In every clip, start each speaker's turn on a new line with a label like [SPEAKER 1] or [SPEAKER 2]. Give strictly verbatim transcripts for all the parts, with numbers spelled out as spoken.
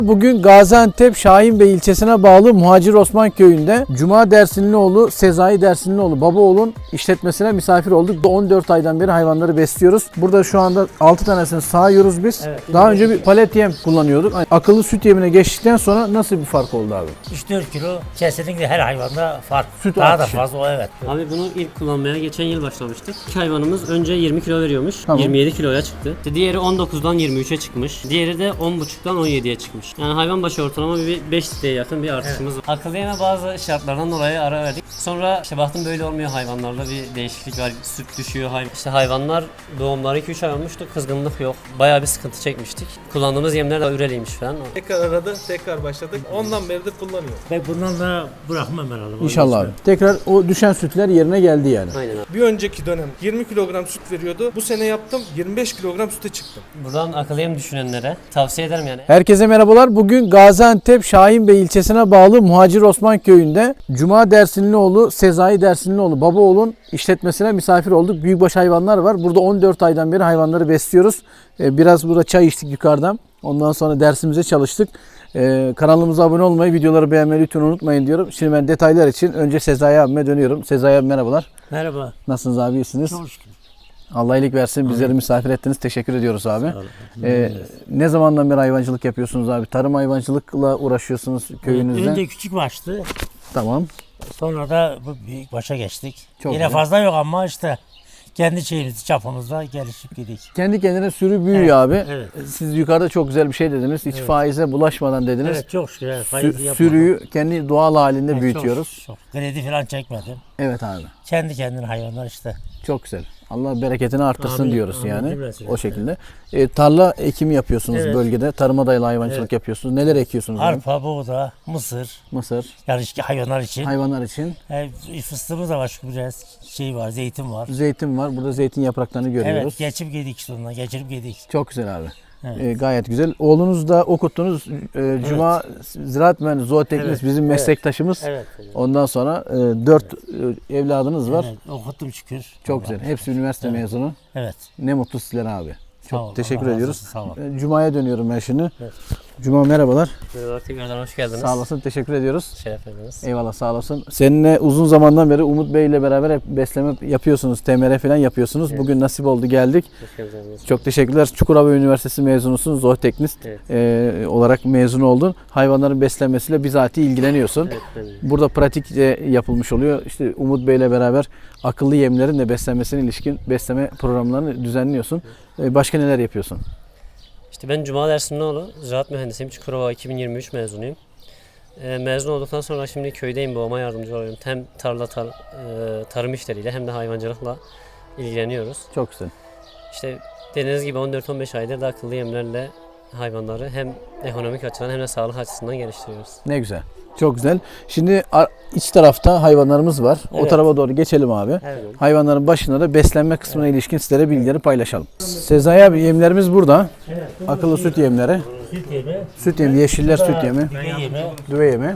[SPEAKER 1] Bugün Gaziantep Şahinbey ilçesine bağlı Muhacir Osman Köyü'nde Cuma Dersinlioğlu, Sezai Dersinlioğlu Babaoğlu'nun işletmesine misafir olduk. on dört aydan beri hayvanları besliyoruz. Burada şu anda altı tanesini sağıyoruz biz. Evet, Daha önce bir palet yem kullanıyorduk. Akıllı süt yemine geçtikten sonra nasıl bir fark oldu abi?
[SPEAKER 2] üç dört kilo kesinlikle her hayvanda fark.
[SPEAKER 1] Süt
[SPEAKER 2] Daha
[SPEAKER 1] artışı.
[SPEAKER 2] da fazla o, evet.
[SPEAKER 3] Abi bunu ilk kullanmaya geçen yıl başlamıştık. İki hayvanımız önce yirmi kilo veriyormuş.
[SPEAKER 1] Tamam.
[SPEAKER 3] yirmi yedi kiloya çıktı. Diğeri on dokuzdan yirmi üçe çıkmış. Diğeri de on buçuktan on yediye çıkmış. Yani hayvan başı ortalama bir beş litreye yakın bir artışımız var. Akıllı yeme bazı şartlardan dolayı ara verdik. Sonra işte baktım böyle olmuyor, hayvanlarda bir değişiklik var. Süt düşüyor. Hayvan. İşte hayvanlar doğumları iki üç ay olmuştu. Kızgınlık yok. Bayağı bir sıkıntı çekmiştik. Kullandığımız yemler de üreliymiş falan.
[SPEAKER 4] Tekrar aradı, tekrar başladık. Ondan beridir kullanıyor.
[SPEAKER 2] Ve bundan da bırakmam herhalde.
[SPEAKER 1] İnşallah abi. Tekrar o düşen sütler yerine geldi yani.
[SPEAKER 3] Aynen abi.
[SPEAKER 4] Bir önceki dönem yirmi kilogram süt veriyordu. Bu sene yaptım, yirmi beş kilogram süte çıktım.
[SPEAKER 3] Buradan akıllı yem düşünenlere tavsiye ederim yani.
[SPEAKER 1] Herkese merhabalar. Bugün Gaziantep Şahinbey ilçesine bağlı Muhacir Osman Köyü'nde Cuma Dersinlioğlu, Sezai Dersinlioğlu Babaoğlu'nun işletmesine misafir olduk. Büyükbaş hayvanlar var. Burada on dört aydan beri hayvanları besliyoruz. Biraz burada çay içtik yukarıdan. Ondan sonra dersimize çalıştık. Ee, kanalımıza abone olmayı, videoları beğenmeyi lütfen unutmayın diyorum. Şimdi ben detaylar için önce Sezai abime dönüyorum. Sezai abi merhabalar.
[SPEAKER 2] Merhaba.
[SPEAKER 1] Nasılsınız abi, iyisiniz?
[SPEAKER 2] Çok şükür.
[SPEAKER 1] Allah iyilik versin. Bizleri misafir ettiniz. Teşekkür ediyoruz abi. Ee, ne zamandan beri hayvancılık yapıyorsunuz abi? Tarım hayvancılıkla uğraşıyorsunuz köyünüzde.
[SPEAKER 2] Önce küçük baştı.
[SPEAKER 1] Tamam.
[SPEAKER 2] Sonra da bu büyük başa geçtik.
[SPEAKER 1] Çok
[SPEAKER 2] Yine
[SPEAKER 1] güzel.
[SPEAKER 2] fazla yok ama işte kendi şeyimiz çapımızda gelişip gidik.
[SPEAKER 1] Kendi kendine sürü büyüyor
[SPEAKER 2] Evet,
[SPEAKER 1] abi.
[SPEAKER 2] evet.
[SPEAKER 1] Siz yukarıda çok güzel bir şey dediniz. Hiç faize bulaşmadan dediniz.
[SPEAKER 2] Evet, çok şükür. Evet,
[SPEAKER 1] Sü-
[SPEAKER 2] faiz yapmadım.
[SPEAKER 1] sürüyü kendi doğal halinde
[SPEAKER 2] Evet,
[SPEAKER 1] büyütüyoruz.
[SPEAKER 2] Çok, çok. Kredi falan çekmedim.
[SPEAKER 1] Evet abi.
[SPEAKER 2] Kendi kendine hayvanlar işte.
[SPEAKER 1] Çok güzel. Allah bereketini arttırsın
[SPEAKER 2] Amin,
[SPEAKER 1] diyoruz
[SPEAKER 2] amin,
[SPEAKER 1] yani.
[SPEAKER 2] cümlesi.
[SPEAKER 1] O şekilde. E, tarla ekimi yapıyorsunuz
[SPEAKER 2] Evet.
[SPEAKER 1] bölgede. Tarıma dayalı hayvancılık
[SPEAKER 2] Evet.
[SPEAKER 1] yapıyorsunuz. Neler ekiyorsunuz? abi?
[SPEAKER 2] Arpa, buğda, mısır.
[SPEAKER 1] Mısır,
[SPEAKER 2] Yani işte hayvanlar için.
[SPEAKER 1] hayvanlar için.
[SPEAKER 2] E, fıstığımız da var, şu biraz şey var, zeytin var.
[SPEAKER 1] Zeytin var. Burada zeytin yapraklarını görüyoruz.
[SPEAKER 2] Evet, geçip gidik sonuna, geçirip gidik.
[SPEAKER 1] Çok güzel abi.
[SPEAKER 2] Evet.
[SPEAKER 1] E, gayet güzel. Oğlunuz da okuttunuz. E, Cuma Ziraat Mühendisi, zooteknist
[SPEAKER 2] Evet,
[SPEAKER 1] bizim
[SPEAKER 2] evet.
[SPEAKER 1] meslektaşımız.
[SPEAKER 2] Evet.
[SPEAKER 1] Ondan sonra e, dört e, evladınız var.
[SPEAKER 2] Evet, okuttum şükür.
[SPEAKER 1] Çok
[SPEAKER 2] Allah.
[SPEAKER 1] güzel. Hepsi üniversite
[SPEAKER 2] Evet.
[SPEAKER 1] mezunu.
[SPEAKER 2] Evet.
[SPEAKER 1] Ne mutlu sizlere abi. Çok
[SPEAKER 2] Sağ ol,
[SPEAKER 1] teşekkür
[SPEAKER 2] Allah razı
[SPEAKER 1] ediyoruz.
[SPEAKER 2] olsun, sağ ol.
[SPEAKER 1] E, Cuma'ya dönüyorum ben şimdi.
[SPEAKER 2] Evet.
[SPEAKER 1] Cuma merhabalar.
[SPEAKER 3] Merhaba, tekrardan hoş geldiniz.
[SPEAKER 1] Sağ olasın. Teşekkür ediyoruz.
[SPEAKER 3] Şeref verdiniz.
[SPEAKER 1] Eyvallah, sağ olasın. Seninle uzun zamandan beri Umut Bey ile beraber hep besleme yapıyorsunuz. T M R falan yapıyorsunuz.
[SPEAKER 3] Evet.
[SPEAKER 1] Bugün nasip oldu, geldik.
[SPEAKER 3] Hoş geldiniz.
[SPEAKER 1] Çok teşekkürler. Çukurova Üniversitesi mezunusun. Zooteknist
[SPEAKER 3] Evet.
[SPEAKER 1] e, olarak mezun oldun. Hayvanların beslenmesiyle bizatihi ilgileniyorsun.
[SPEAKER 3] Evet, ben de.
[SPEAKER 1] Burada pratikçe yapılmış oluyor. İşte Umut Bey ile beraber akıllı yemlerin de beslenmesine ilişkin besleme programlarını düzenliyorsun. E, başka neler yapıyorsun?
[SPEAKER 3] İşte ben Cuma Dersinlioğlu, ziraat mühendisiyim. Çukurova iki bin yirmi üç mezunuyum. Ee, mezun olduktan sonra şimdi köydeyim, babama yardımcı oluyorum. Hem tarla tar, e, tarım işleriyle hem de hayvancılıkla ilgileniyoruz.
[SPEAKER 1] Çok güzel.
[SPEAKER 3] İşte dediğiniz gibi on dört on beş aydır da akıllı yemlerle hayvanları hem ekonomik açıdan hem de sağlık açısından geliştiriyoruz.
[SPEAKER 1] Ne güzel. Çok güzel. Şimdi a- iç tarafta hayvanlarımız var. O
[SPEAKER 3] Evet.
[SPEAKER 1] tarafa doğru geçelim abi.
[SPEAKER 3] Evet.
[SPEAKER 1] Hayvanların başında da beslenme kısmına ilişkin sizlere bilgileri paylaşalım. Sezai abi, yemlerimiz burada.
[SPEAKER 2] Evet.
[SPEAKER 1] Akıllı süt yemleri.
[SPEAKER 2] Süt yemi.
[SPEAKER 1] Süt yemi, yeşiller süt yemi,
[SPEAKER 2] Düve yemi.
[SPEAKER 1] düve yemi,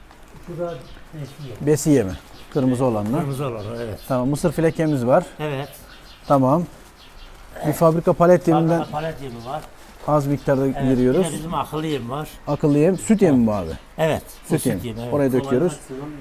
[SPEAKER 2] Bu da eski yemi.
[SPEAKER 1] besi yemi. Kırmızı olanlar.
[SPEAKER 2] Kırmızı olan, evet.
[SPEAKER 1] Tamam, mısır filekemiz var.
[SPEAKER 2] Evet.
[SPEAKER 1] Tamam. Bir fabrika palet yeminden
[SPEAKER 2] Arkada palet yemi var.
[SPEAKER 1] az miktarda
[SPEAKER 2] Evet.
[SPEAKER 1] giriyoruz.
[SPEAKER 2] Bir de bizim akıllı yem var.
[SPEAKER 1] Akıllı yem, süt yemi mi bu abi?
[SPEAKER 2] Evet. bu
[SPEAKER 1] Süt yemi.
[SPEAKER 2] evet.
[SPEAKER 1] Oraya döküyoruz.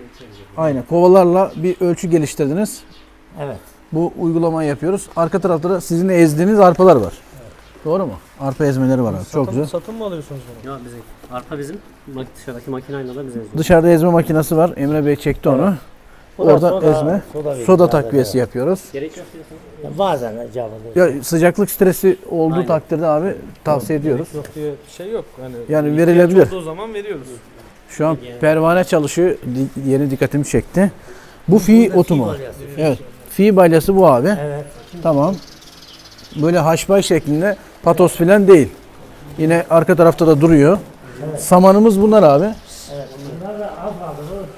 [SPEAKER 1] Aynen. Kovalarla bir ölçü geliştirdiniz.
[SPEAKER 2] Evet.
[SPEAKER 1] Bu uygulamayı yapıyoruz. Arka tarafta da sizin ezdiğiniz arpalar var. Doğru mu? Arpa ezmeleri var abi. Çok güzel.
[SPEAKER 4] Satın mı alıyorsunuz bunu?
[SPEAKER 3] Ya bizim arpa bizim mak- dışarıdaki makineyle de biz eziyoruz.
[SPEAKER 1] Dışarıda ezme makinesi var. Emre Bey çekti onu.
[SPEAKER 2] Bu da
[SPEAKER 1] Orada
[SPEAKER 2] soda-
[SPEAKER 1] ezme,
[SPEAKER 2] soda veriyor
[SPEAKER 1] soda
[SPEAKER 2] bazen,
[SPEAKER 1] takviyesi
[SPEAKER 2] evet.
[SPEAKER 1] yapıyoruz.
[SPEAKER 3] Gerek yok diyorsun.
[SPEAKER 2] Ya bazen canlı.
[SPEAKER 1] Ya sıcaklık stresi olduğu
[SPEAKER 3] Aynen.
[SPEAKER 1] takdirde abi tavsiye ediyoruz.
[SPEAKER 4] Yok diye bir şey yok. Hani
[SPEAKER 1] Yani
[SPEAKER 4] ihtiyaç
[SPEAKER 1] verilebilir.
[SPEAKER 4] olduğu zaman veriyoruz.
[SPEAKER 1] Şu an pervane çalışıyor. Di- Yeni dikkatimi çekti. Bu fi otu mu? Evet. Fi balyası bu abi.
[SPEAKER 2] Evet.
[SPEAKER 1] Tamam. Böyle haşbay şeklinde, patos filan değil. Yine arka tarafta da duruyor. Samanımız bunlar abi.
[SPEAKER 2] Evet. Bunlar da az kaldı.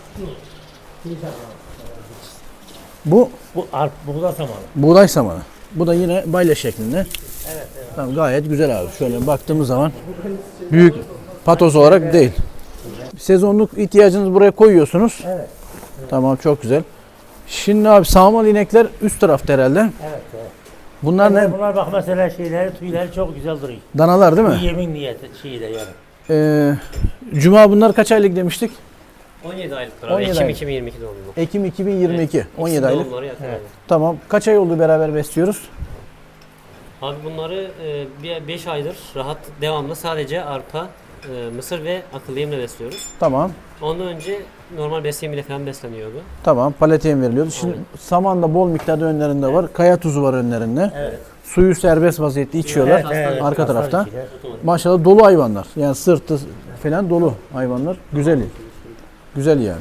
[SPEAKER 2] Bu şu.
[SPEAKER 1] Bu
[SPEAKER 2] Bu arp, buğda samanı.
[SPEAKER 1] buğday samanı. Bu da yine balya şeklinde. Evet, evet. Tamam, gayet güzel abi. Şöyle baktığımız zaman büyük patos olarak değil. Sezonluk ihtiyacınızı buraya koyuyorsunuz.
[SPEAKER 2] Evet.
[SPEAKER 1] Tamam, çok güzel. Şimdi abi sağmal inekler üst tarafta herhalde.
[SPEAKER 2] Evet. evet.
[SPEAKER 1] Bunlar ne?
[SPEAKER 2] Bunlar bak mesela şeyleri, tüyleri çok güzel duruyor.
[SPEAKER 1] Danalar değil
[SPEAKER 2] Bu
[SPEAKER 1] mi?
[SPEAKER 2] yemin niyeti şeyi de yani.
[SPEAKER 1] Ee, Cuma bunlar kaç aylık demiştik?
[SPEAKER 3] on yedi aylıktır
[SPEAKER 1] on
[SPEAKER 3] abi.
[SPEAKER 1] yedi
[SPEAKER 3] Ekim
[SPEAKER 1] aylık.
[SPEAKER 3] iki bin yirmi iki doğumlu.
[SPEAKER 1] Ekim iki bin yirmi iki.
[SPEAKER 3] Evet,
[SPEAKER 1] on yedi
[SPEAKER 3] ikisi
[SPEAKER 1] aylık.
[SPEAKER 3] doğumları yakın abi.
[SPEAKER 1] Tamam. Kaç ay oldu beraber besliyoruz?
[SPEAKER 3] Abi bunları beş aydır rahat devamlı sadece arpa, e, mısır ve akıllı yemle besliyoruz.
[SPEAKER 1] Tamam.
[SPEAKER 3] Ondan önce normal besin yemiyle falan besleniyordu.
[SPEAKER 1] Tamam. Palet yem veriliyordu. Şimdi saman da bol miktarda önlerinde var. Kaya tuzu var önlerinde.
[SPEAKER 2] Evet.
[SPEAKER 1] Suyu serbest vaziyette içiyorlar.
[SPEAKER 3] Evet, evet.
[SPEAKER 1] Arka tarafta.
[SPEAKER 2] içiler.
[SPEAKER 1] Maşallah dolu hayvanlar. Yani sırtı falan dolu hayvanlar. Güzel. Güzel yani.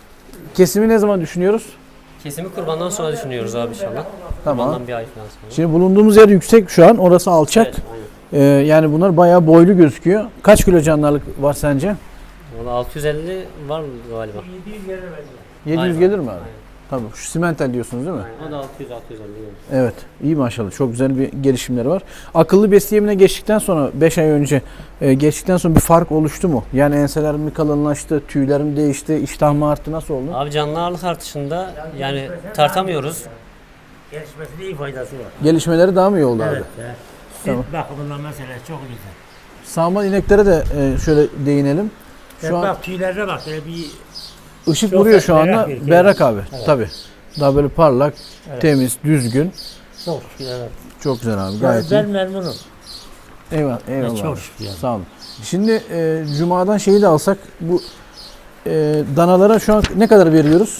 [SPEAKER 1] Kesimi ne zaman düşünüyoruz?
[SPEAKER 3] Kesimi kurbandan sonra düşünüyoruz abi inşallah.
[SPEAKER 1] Tamam.
[SPEAKER 3] Kurbandan bir ay falan sonra.
[SPEAKER 1] Şimdi bulunduğumuz yer yüksek şu an. Orası alçak.
[SPEAKER 3] Evet, aynen.
[SPEAKER 1] Ee, yani bunlar bayağı boylu gözüküyor. Kaç kilo canlılık var sence?
[SPEAKER 3] Valla altı yüz elli var mı galiba?
[SPEAKER 2] yedi yüz gelir bence.
[SPEAKER 1] yedi yüz
[SPEAKER 3] Aynen.
[SPEAKER 1] gelir mi abi?
[SPEAKER 3] Aynen.
[SPEAKER 1] Tabii. Şu simental diyorsunuz değil mi?
[SPEAKER 3] O da altı yüz altı yüz elli. yani.
[SPEAKER 1] Evet. İyi maşallah. Çok güzel bir gelişimleri var. Akıllı besleyemine geçtikten sonra beş ay önce e, geçtikten sonra bir fark oluştu mu? Yani enseler mi kalınlaştı, tüyler mi değişti, iştah mı arttı, nasıl oldu?
[SPEAKER 3] Abi canlı ağırlık artışında yani tartamıyoruz.
[SPEAKER 2] Gelişmesinde iyi faydası var.
[SPEAKER 1] Gelişmeleri daha mı iyi oldu abi?
[SPEAKER 2] Evet. evet. Süt
[SPEAKER 1] Tamam.
[SPEAKER 2] bakımından mesela çok güzel.
[SPEAKER 1] Sağman ineklere de e, şöyle değinelim.
[SPEAKER 2] Şu
[SPEAKER 1] Şu an
[SPEAKER 2] bak tüylerine bak böyle bir
[SPEAKER 1] ışık
[SPEAKER 2] çok
[SPEAKER 1] vuruyor şu anda.
[SPEAKER 2] berrak bir kere.
[SPEAKER 1] Berrak abi.
[SPEAKER 2] Evet.
[SPEAKER 1] Tabii. Daha böyle parlak,
[SPEAKER 2] Evet.
[SPEAKER 1] temiz, düzgün.
[SPEAKER 2] çok şükür evet.
[SPEAKER 1] Çok güzel abi.
[SPEAKER 2] Ben,
[SPEAKER 1] Gayet
[SPEAKER 2] ben
[SPEAKER 1] iyi.
[SPEAKER 2] memnunum.
[SPEAKER 1] Eyvallah. Eyvallah.
[SPEAKER 2] çok
[SPEAKER 1] abi.
[SPEAKER 2] şükür yani.
[SPEAKER 1] Sağ olun. Şimdi e, Cuma'dan şeyi de alsak bu e, danalara şu an ne kadar veriyoruz?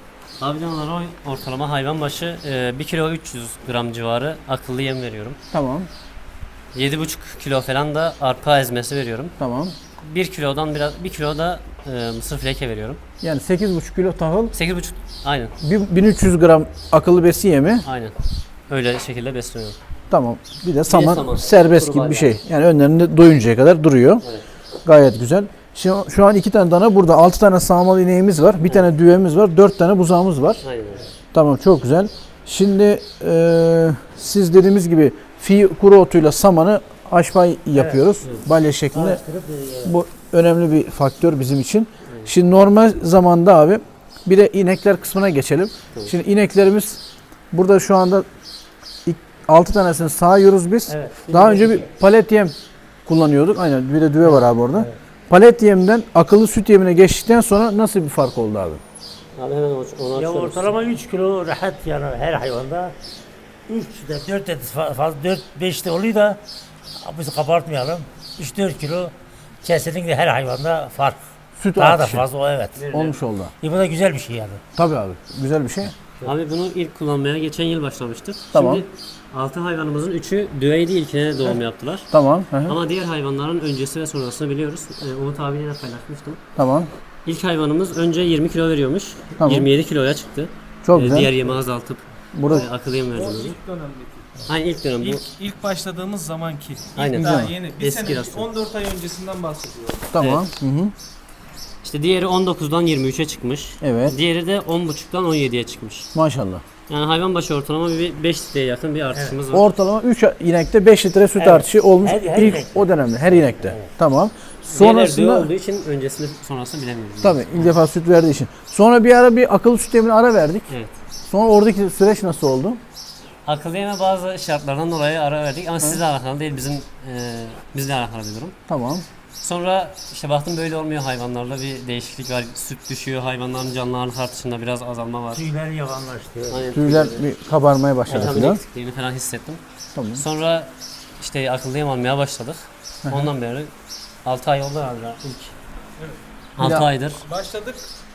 [SPEAKER 3] Abi canlılara ortalama hayvan başı bir kilo üç yüz gram civarı akıllı yem veriyorum.
[SPEAKER 1] Tamam.
[SPEAKER 3] yedi buçuk kilo falan da arpa ezmesi veriyorum.
[SPEAKER 1] Tamam.
[SPEAKER 3] bir kilodan biraz bir kilo da e, mısır fleke veriyorum.
[SPEAKER 1] Yani sekiz buçuk kilo tahıl,
[SPEAKER 3] sekiz buçuk aynen
[SPEAKER 1] bir- bin üç yüz gram akıllı besi yemi.
[SPEAKER 3] aynen. Öyle şekilde besleniyorum.
[SPEAKER 1] Tamam. Bir de saman,
[SPEAKER 3] saman.
[SPEAKER 1] serbest
[SPEAKER 3] Kuru
[SPEAKER 1] gibi bir
[SPEAKER 3] badem.
[SPEAKER 1] şey. Yani önlerinde doyuncaya kadar duruyor.
[SPEAKER 3] Evet.
[SPEAKER 1] Gayet güzel. Şimdi şu an iki tane dana burada. Altı tane sağmalı ineğimiz var. Bir tane düvemiz var. Dört tane buzağımız var.
[SPEAKER 3] Aynen öyle.
[SPEAKER 1] Tamam, çok güzel. Şimdi e, siz dediğimiz gibi fi kuru otuyla samanı aşpay yapıyoruz. Balya şeklinde.
[SPEAKER 2] Araştırıp, e,
[SPEAKER 1] Bu önemli bir faktör bizim için. Şimdi normal zamanda abi bir de inekler kısmına geçelim. Şimdi ineklerimiz burada şu anda altı tanesini sağıyoruz biz.
[SPEAKER 2] Evet.
[SPEAKER 1] Daha önce bir palet yem kullanıyorduk. Aynen, bir de düve var abi orada. Palet yemden akıllı süt yemine geçtikten sonra nasıl bir fark oldu abi?
[SPEAKER 3] Abi hemen onu onu
[SPEAKER 2] Ya
[SPEAKER 3] açıyoruz.
[SPEAKER 2] ortalama üç kilo rahat yani her hayvanda üç de dört de fa- fazla dört beş de oluyor da biz kabartmayalım. üç dört kilo kesinlikle her hayvanda fark.
[SPEAKER 1] Süt
[SPEAKER 2] Daha da
[SPEAKER 1] artışı
[SPEAKER 2] fazla o evet.
[SPEAKER 1] olmuş oldu.
[SPEAKER 2] E bu da güzel bir şey yani.
[SPEAKER 1] Tabii abi, güzel bir şey.
[SPEAKER 3] Abi bunu ilk kullanmaya geçen yıl başlamıştık.
[SPEAKER 1] Tamam.
[SPEAKER 3] Şimdi altı hayvanımızın üçü düveydi, ilkine doğum yaptılar.
[SPEAKER 1] Tamam. Hı hı.
[SPEAKER 3] Ama diğer hayvanların öncesi ve sonrasını biliyoruz. Ee, Umut abiyle de paylaşmıştım.
[SPEAKER 1] Tamam.
[SPEAKER 3] İlk hayvanımız önce yirmi kilo veriyormuş.
[SPEAKER 1] Tamam.
[SPEAKER 3] yirmi yedi kiloya çıktı.
[SPEAKER 1] Çok
[SPEAKER 3] Ee,
[SPEAKER 1] güzel.
[SPEAKER 3] Diğer yemi azaltıp
[SPEAKER 1] Burada
[SPEAKER 3] e, akıllı yem verdiğimiz.
[SPEAKER 4] İlk dönemdeki.
[SPEAKER 3] Aynen ilk dönem bu.
[SPEAKER 4] İlk, ilk başladığımız zamanki. İlk
[SPEAKER 3] Aynen.
[SPEAKER 4] daha
[SPEAKER 1] Güzel.
[SPEAKER 4] yeni. Bir
[SPEAKER 3] Eski
[SPEAKER 4] sene,
[SPEAKER 3] rasyon.
[SPEAKER 4] on dört ay öncesinden bahsediyorum.
[SPEAKER 1] tamam. Hı hı.
[SPEAKER 3] İşte diğeri on dokuzdan yirmi üçe çıkmış.
[SPEAKER 1] Evet.
[SPEAKER 3] Diğeri de on buçuktan on yediye çıkmış.
[SPEAKER 1] Maşallah.
[SPEAKER 3] Yani hayvan başı ortalama bir beş litreye yakın bir artışımız var.
[SPEAKER 1] Ortalama üç inekte beş litre süt
[SPEAKER 2] Evet.
[SPEAKER 1] artışı olmuş
[SPEAKER 2] Her- her
[SPEAKER 1] ilk
[SPEAKER 2] inekte.
[SPEAKER 1] o dönemde her inekte. Tamam.
[SPEAKER 3] Diğerleri düve
[SPEAKER 1] Sonrasında
[SPEAKER 3] olduğu için öncesini sonrasını bilemiyoruz.
[SPEAKER 1] tabii ilk defa süt verdiği için. Sonra bir ara bir akıllı süt yemine ara verdik.
[SPEAKER 3] Evet.
[SPEAKER 1] Sonra oradaki süreç nasıl oldu?
[SPEAKER 3] Akıllı yeme bazı şartlardan dolayı ara verdik ama sizle alakalı değil, bizim e, bizle alakalı bir durum.
[SPEAKER 1] Tamam.
[SPEAKER 3] Sonra işte baktım böyle olmuyor, hayvanlarda bir değişiklik var. Süt düşüyor, hayvanların canlı ağırlık artışında biraz azalma var.
[SPEAKER 2] Tüyler yavanlaştı.
[SPEAKER 3] Aynen,
[SPEAKER 1] Tüyler
[SPEAKER 3] tüyleri-
[SPEAKER 1] bir kabarmaya başladı
[SPEAKER 3] vitamin
[SPEAKER 1] filan.
[SPEAKER 3] eksikliğini falan hissettim.
[SPEAKER 1] Tamam.
[SPEAKER 3] Sonra işte akıllı yem almaya başladık. Ondan beri altı ay oldu herhalde ilk. altı
[SPEAKER 1] daha-
[SPEAKER 3] aydır.
[SPEAKER 4] Başladık.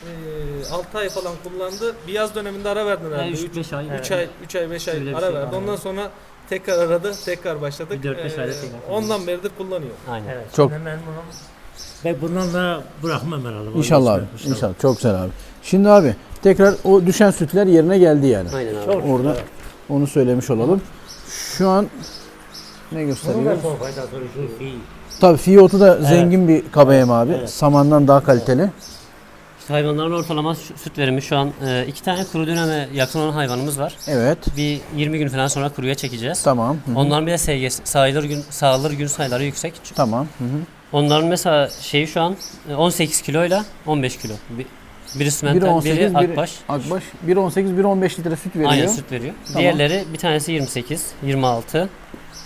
[SPEAKER 4] altı ay falan kullandı. Bir yaz döneminde ara verdin herhalde.
[SPEAKER 3] üç beş ay.
[SPEAKER 4] üç ay, üç ay, beş ay
[SPEAKER 3] Öyle bir
[SPEAKER 4] ara
[SPEAKER 3] şey
[SPEAKER 4] verdi.
[SPEAKER 3] var.
[SPEAKER 4] Ondan sonra tekrar aradı, tekrar başladık.
[SPEAKER 3] Bir dört beş
[SPEAKER 4] Ee,
[SPEAKER 3] ayda tekrar.
[SPEAKER 4] Ondan beridir kullanıyor.
[SPEAKER 3] Aynen.
[SPEAKER 2] Evet.
[SPEAKER 1] Çok-
[SPEAKER 2] Çok. Memnunum. Ve bundan da bırakmam herhalde.
[SPEAKER 1] İnşallah abi. İnşallah. Çok güzel abi. Şimdi abi tekrar o düşen sütler yerine geldi yani.
[SPEAKER 3] Aynen abi.
[SPEAKER 2] Çok
[SPEAKER 1] Orada
[SPEAKER 2] evet.
[SPEAKER 1] onu söylemiş olalım. Şu an ne
[SPEAKER 2] Bunun da
[SPEAKER 1] gösteriyor?
[SPEAKER 2] son faydası var. Şu fi.
[SPEAKER 1] Tabii fiyotu da zengin bir kaba yem abi.
[SPEAKER 2] Evet.
[SPEAKER 1] Samandan daha kaliteli.
[SPEAKER 3] İşte hayvanların ortalama şu- süt verimi şu an e, iki tane kuru döneme yakın olan hayvanımız var.
[SPEAKER 1] Evet.
[SPEAKER 3] Bir yirmi gün falan sonra kuruya çekeceğiz.
[SPEAKER 1] Tamam. Hı hı.
[SPEAKER 3] Onların bir de S G S, sayılır gün, sağılır gün sayıları yüksek.
[SPEAKER 1] Tamam. Hı hı.
[SPEAKER 3] Onların mesela şeyi şu an e, on sekiz kiloyla on beş kilo. Bir, biri
[SPEAKER 1] Biri
[SPEAKER 3] sümental,
[SPEAKER 1] on sekiz,
[SPEAKER 3] biri
[SPEAKER 1] biri
[SPEAKER 3] akbaş.
[SPEAKER 1] Akbaş. biri on sekiz, biri on beş litre süt veriyor.
[SPEAKER 3] Aynen süt veriyor.
[SPEAKER 1] Tamam.
[SPEAKER 3] Diğerleri bir tanesi yirmi sekiz, yirmi altı,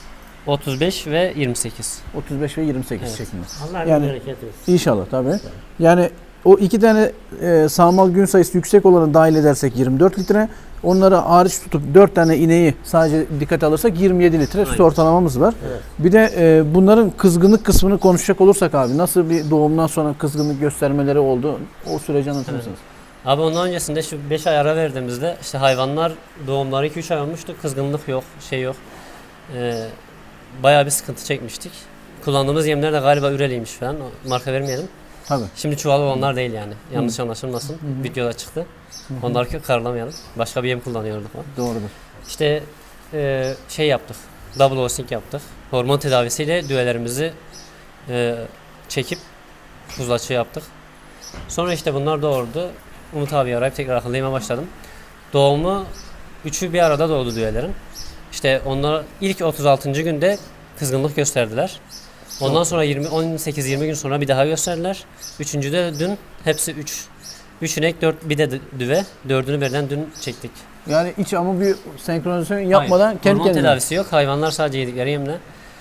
[SPEAKER 3] otuz beş ve yirmi sekiz.
[SPEAKER 1] otuz beş ve yirmi sekiz
[SPEAKER 3] Evet.
[SPEAKER 1] şeklinde.
[SPEAKER 2] Allah
[SPEAKER 1] Yani-
[SPEAKER 2] yani, bereket versin.
[SPEAKER 1] İnşallah tabii. Yani o iki tane e, sağmal gün sayısı yüksek olanı dahil edersek yirmi dört litre. Onları hariç tutup dört tane ineği sadece dikkate alırsak yirmi yedi litre süt
[SPEAKER 3] Aynen.
[SPEAKER 1] ortalamamız var.
[SPEAKER 2] Evet.
[SPEAKER 1] Bir de e, bunların kızgınlık kısmını konuşacak olursak abi nasıl bir doğumdan sonra kızgınlık göstermeleri oldu? O süreci anlatır
[SPEAKER 3] Evet.
[SPEAKER 1] mısınız?
[SPEAKER 3] Abi ondan öncesinde şu beş ay ara verdiğimizde işte hayvanlar doğumları iki üç ay olmuştu. Kızgınlık yok, şey yok. Ee, bayağı bir sıkıntı çekmiştik. Kullandığımız yemler de galiba Üreliymiş falan. O marka vermeyelim.
[SPEAKER 1] Tabii.
[SPEAKER 3] Şimdi çuval olanlar değil yani. Yanlış anlaşılmasın. Videoda çıktı. Onları karlamayalım. Başka bir yem kullanıyorduk falan.
[SPEAKER 1] Doğrudur.
[SPEAKER 3] İşte e, şey yaptık. Double osing yaptık. Hormon tedavisiyle düvelerimizi e, çekip buzlaçı yaptık. Sonra işte bunlar doğurdu. Umut abi arayıp tekrar akıllı başladım. Doğumu üçü bir arada doğdu düvelerin. İşte onlar ilk otuz altıncı günde kızgınlık gösterdiler. Ondan sonra yirmi on sekiz yirmi gün sonra bir daha gösterdiler. Üçüncüde dün hepsi üç. üç inek dört bir de düve. Dördünü birden dün çektik.
[SPEAKER 1] Yani iç ama bir senkronizasyon yapmadan
[SPEAKER 3] Hayır,
[SPEAKER 1] kendi
[SPEAKER 3] hormon
[SPEAKER 1] kendine.
[SPEAKER 3] tedavisi yok. Hayvanlar sadece yedikleri yemle.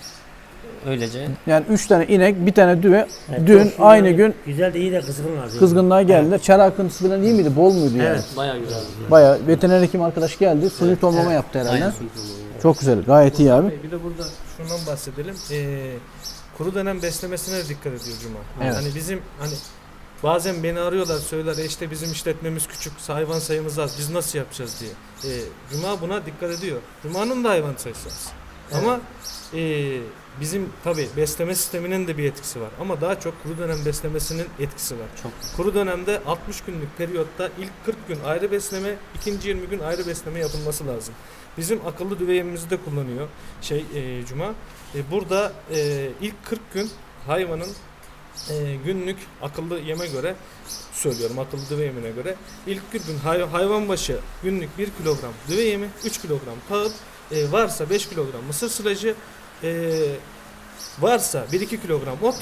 [SPEAKER 3] Öylece.
[SPEAKER 1] Yani üç tane inek, bir tane düve
[SPEAKER 2] Evet,
[SPEAKER 1] dün
[SPEAKER 2] çok şükür
[SPEAKER 1] aynı
[SPEAKER 2] yani
[SPEAKER 1] gün
[SPEAKER 2] güzel de iyi de kızgınlar. diyor.
[SPEAKER 1] kızgınlığa geldiler. Çare akıntısı falan iyi miydi? Bol muydu yani?
[SPEAKER 2] Evet.
[SPEAKER 3] Bayağı güzel.
[SPEAKER 1] Bayağı veteriner hekim arkadaş geldi. Suni tonlama yaptı herhalde.
[SPEAKER 3] Aynen.
[SPEAKER 1] Çok güzel. Gayet iyi abi.
[SPEAKER 4] Bir de burada şundan bahsedelim. Ee, kuru dönem beslemesine de dikkat ediyor Cuma.
[SPEAKER 1] Evet.
[SPEAKER 4] Hani bizim hani bazen beni arıyorlar söyler "E işte bizim işletmemiz küçük, hayvan sayımız az, biz nasıl yapacağız" diye. Ee, Cuma buna dikkat ediyor. Cuma'nın da hayvan sayısı az. Ama e, bizim tabi besleme sisteminin de bir etkisi var. Ama daha çok kuru dönem beslemesinin etkisi var.
[SPEAKER 3] Çok.
[SPEAKER 4] Kuru dönemde altmış günlük periyotta ilk kırk gün ayrı besleme, ikinci yirmi gün ayrı besleme yapılması lazım. Bizim akıllı düve yemimizi de kullanıyor şey e, Cuma. E, burada e, ilk kırk gün hayvanın e, günlük akıllı yeme göre söylüyorum akıllı düve yemine göre ilk kırk gün hay- hayvan başı günlük bir kilogram düve yemi, üç kilogram tahıl, e, varsa beş kilogram mısır silajı, e, varsa bir iki kilogram ot,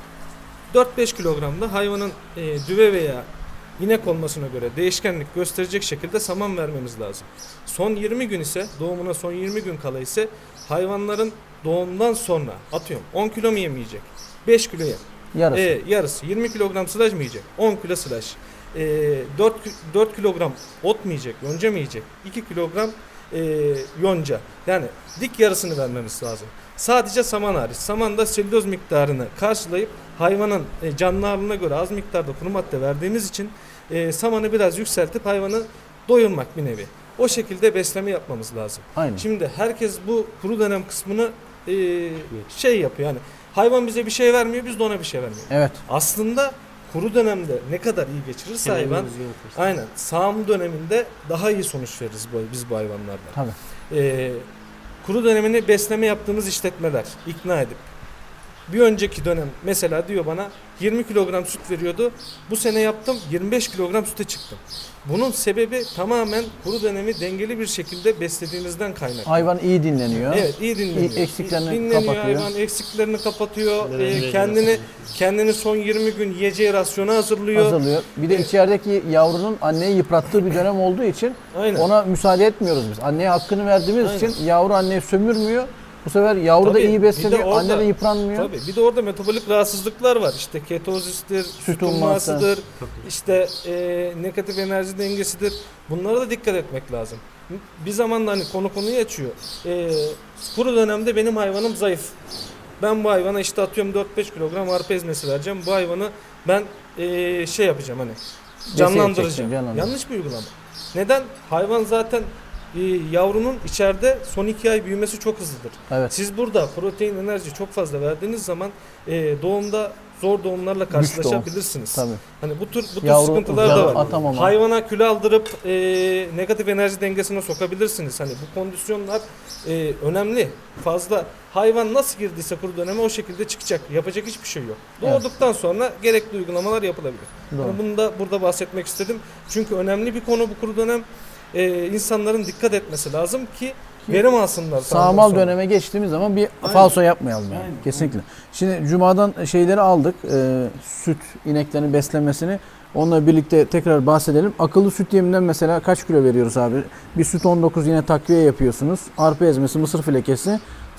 [SPEAKER 4] dört beş kilogram da hayvanın e, düve veya inek olmasına göre değişkenlik gösterecek şekilde saman vermemiz lazım. Son yirmi gün ise doğumuna son yirmi gün kala ise hayvanların doğumdan sonra atıyorum on kilo mu yem yiyecek? beş kilo yem.
[SPEAKER 1] Yarısı.
[SPEAKER 4] E, yarısı yirmi kilogram silaj mı yiyecek? on kilo silaj. E, dört, dört kilogram ot mu yiyecek? Yonca mı yiyecek? iki kilogram e, yonca. Yani dik yarısını vermemiz lazım. Sadece saman hariç. Saman da selüloz miktarını karşılayıp hayvanın e, canlı ağırlığına göre az miktarda kuru madde verdiğimiz için e, samanı biraz yükseltip hayvanı doyurmak bir nevi. O şekilde besleme yapmamız lazım.
[SPEAKER 1] Aynen.
[SPEAKER 4] Şimdi herkes bu kuru dönem kısmını e, şey yapıyor yani hayvan bize bir şey vermiyor biz de ona bir şey vermiyoruz.
[SPEAKER 1] Evet.
[SPEAKER 4] Aslında kuru dönemde ne kadar iyi geçirirse hayvan aynen sağım döneminde daha iyi sonuç veririz bu, biz bu hayvanlardan.
[SPEAKER 1] Tabii.
[SPEAKER 4] Ee, kuru dönemini besleme yaptığımız işletmeler ikna edip bir önceki dönem mesela diyor bana yirmi kilogram süt veriyordu. Bu sene yaptım yirmi beş kilogram süte çıktım. Bunun sebebi tamamen kuru dönemi dengeli bir şekilde beslediğimizden kaynaklı.
[SPEAKER 1] Hayvan iyi dinleniyor.
[SPEAKER 4] Evet, iyi dinleniyor.
[SPEAKER 1] İyi, eksiklerini
[SPEAKER 4] dinleniyor,
[SPEAKER 1] kapatıyor.
[SPEAKER 4] hayvan eksiklerini kapatıyor.
[SPEAKER 3] Evet,
[SPEAKER 4] Ee,
[SPEAKER 3] evet,
[SPEAKER 4] kendini
[SPEAKER 3] evet.
[SPEAKER 4] kendini son yirmi gün yiyeceği rasyonu hazırlıyor.
[SPEAKER 1] Hazırlıyor. Bir de içerideki yavrunun anneyi yıprattığı bir dönem olduğu için
[SPEAKER 4] Aynen.
[SPEAKER 1] ona müsaade etmiyoruz biz. Anneye hakkını verdiğimiz
[SPEAKER 4] Aynen.
[SPEAKER 1] için yavru anneyi sömürmüyor. Bu sefer yavru da
[SPEAKER 4] Tabii,
[SPEAKER 1] iyi
[SPEAKER 4] bir de
[SPEAKER 1] besleniyor,
[SPEAKER 4] orada-
[SPEAKER 1] anne de yıpranmıyor.
[SPEAKER 4] Tabii. Bir de orada metabolik rahatsızlıklar var. İşte ketozistir, süt
[SPEAKER 1] umması.
[SPEAKER 4] ummasıdır, işte e, negatif enerji dengesidir. Bunlara da dikkat etmek lazım. Bir zaman da hani konu konuyu açıyor. E, kuru dönemde benim hayvanım zayıf. Ben bu hayvana işte atıyorum dört beş kilogram arpa ezmesi vereceğim. Bu hayvanı ben e, şey yapacağım hani canlandıracağım.
[SPEAKER 1] edeceksin, canlandıracağım.
[SPEAKER 4] Yanlış bir uygulama. Neden? Hayvan zaten e, yavrunun içeride son iki ay büyümesi çok hızlıdır.
[SPEAKER 1] Evet.
[SPEAKER 4] Siz burada protein, enerji çok fazla verdiğiniz zaman e, doğumda zor doğumlarla
[SPEAKER 1] doğum.
[SPEAKER 4] karşılaşabilirsiniz.
[SPEAKER 1] Tabii.
[SPEAKER 4] Hani bu tür bu tür
[SPEAKER 1] Yavru
[SPEAKER 4] sıkıntılar
[SPEAKER 1] uzağa
[SPEAKER 4] da var.
[SPEAKER 1] atamama.
[SPEAKER 4] Hayvana kilo aldırıp e, negatif enerji dengesine sokabilirsiniz. Hani bu kondisyonlar e, önemli. Fazla hayvan nasıl girdiyse kuru döneme o şekilde çıkacak. Yapacak hiçbir şey yok.
[SPEAKER 1] Evet.
[SPEAKER 4] Doğduktan sonra gerekli uygulamalar yapılabilir.
[SPEAKER 1] Doğru.
[SPEAKER 4] Yani bunu da burada bahsetmek istedim. Çünkü önemli bir konu bu kuru dönem. E, insanların dikkat etmesi lazım ki verim alsınlar.
[SPEAKER 1] Sağmal
[SPEAKER 4] sonra.
[SPEAKER 1] döneme geçtiğimiz zaman bir
[SPEAKER 4] Aynen.
[SPEAKER 1] falso yapmayalım yani.
[SPEAKER 4] Aynen.
[SPEAKER 1] Kesinlikle. Şimdi Cuma'dan şeyleri aldık. E, süt ineklerin beslenmesini. Onunla birlikte tekrar bahsedelim. Akıllı süt yeminden mesela kaç kilo veriyoruz abi? Bir süt on dokuz yine takviye yapıyorsunuz. Arpa ezmesi, mısır filekesi.